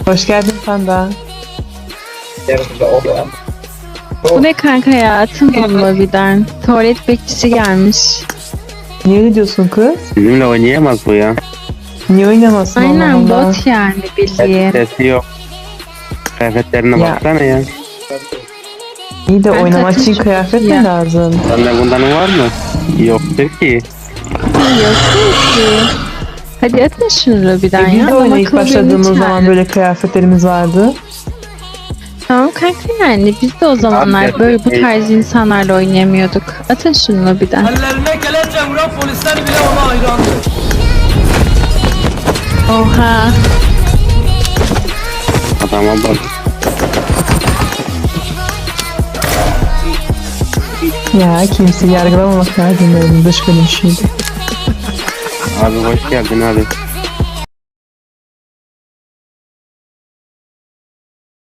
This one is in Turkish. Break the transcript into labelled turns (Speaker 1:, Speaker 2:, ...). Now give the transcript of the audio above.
Speaker 1: Hoş geldin Panda.
Speaker 2: Bu ne kanka ya? Atın lobiden. Tuvalet bekçisi gelmiş.
Speaker 1: Niye öyle diyorsun kız?
Speaker 3: Bizimle oynayamaz bu ya.
Speaker 1: Niye oynamazsın
Speaker 2: Aynen
Speaker 1: Allah Allah?
Speaker 2: bot yani bildiğin.
Speaker 3: Sesi yok. Kıyafetlerine
Speaker 1: Ya.
Speaker 3: baksana ya.
Speaker 1: İyi de
Speaker 2: Ben
Speaker 1: oynamak için
Speaker 2: takım
Speaker 1: kıyafet mi
Speaker 2: ya.
Speaker 1: lazım?
Speaker 3: Sende bundan var mı? Yoktur ki.
Speaker 2: Yok ki. Hadi atın şunu lobiden ya.
Speaker 1: Biz de
Speaker 2: Adam
Speaker 1: oyuna ilk
Speaker 2: akıllı
Speaker 1: başladığımız
Speaker 2: birini
Speaker 1: zaman
Speaker 2: çağırın.
Speaker 1: böyle kıyafetlerimiz vardı.
Speaker 2: Tamam kanka yani biz de o zamanlar
Speaker 3: Abi,
Speaker 2: böyle bu tarz insanlarla oynayamıyorduk. Atın şunu lobiden.
Speaker 4: Ellerine kelepçe vuran polisler bile ona hayrandı.
Speaker 2: Oha.
Speaker 3: Adama bak.
Speaker 1: Ya kimseyi yargılamamak lazım benim dış görünüşüydü.
Speaker 3: Abi hoş geldin abi.